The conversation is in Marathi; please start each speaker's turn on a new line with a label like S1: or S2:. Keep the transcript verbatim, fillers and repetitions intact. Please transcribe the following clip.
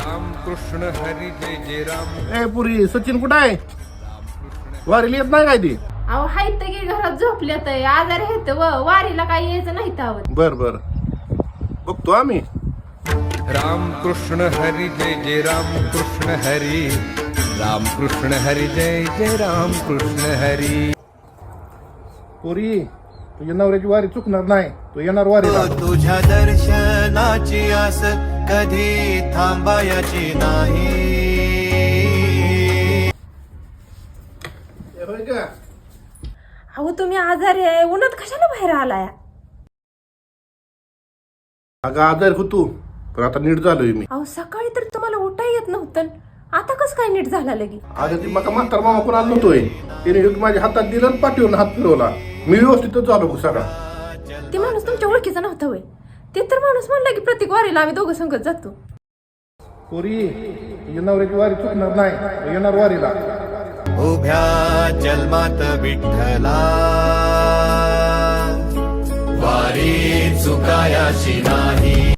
S1: राम कृष्ण हरी जय जय राम.
S2: ए पुरी सचिन कुठं आहे? वारीला येत नाही काय ती?
S3: अहो हायत की घरात झोपल्यात आजारी आहेत व वारीला काही यायचं नाही तर.
S2: बर बर बघतो आम्ही.
S1: राम कृष्ण हरी जय जय राम कृष्ण हरी. राम कृष्ण हरी जय जय राम कृष्ण हरी.
S2: पुरी तुझ्या नवऱ्याची वारी चुकणार नाही, तू येणार वारीला.
S4: तुझ्या दर्शनाची आस कधी थांबायची नाही.
S2: ए, होय का?
S3: अहो तुम्ही आजारी आहे उन्हात कशाला बाहेर आलाय?
S2: अगं आजार होतो पण आता नीट झालोय मी.
S3: अहो सकाळी तर तुम्हाला उठा येत नव्हतं, आता कसं काय नीट झाला लगी?
S2: अगं ती मका म्हातार मामा कोण आला नव्हतोय, तिने माझ्या हातात दिलं आणि पाठीवरून हात फिरवला. मी व्यवस्थितच झालो सगळा.
S3: ते माणूस तुमच्या ओळखीचा नव्हता होय? ते तर माणूस म्हणला की प्रत्येक वारीला आम्ही दोघं संगत जातो.
S2: पुरी तुझ्या नवऱ्याची वारी चुकणार नाही, तू येणार वारीला.
S4: उभ्या जन्मात विठ्ठला वारी चुकायाची नाही.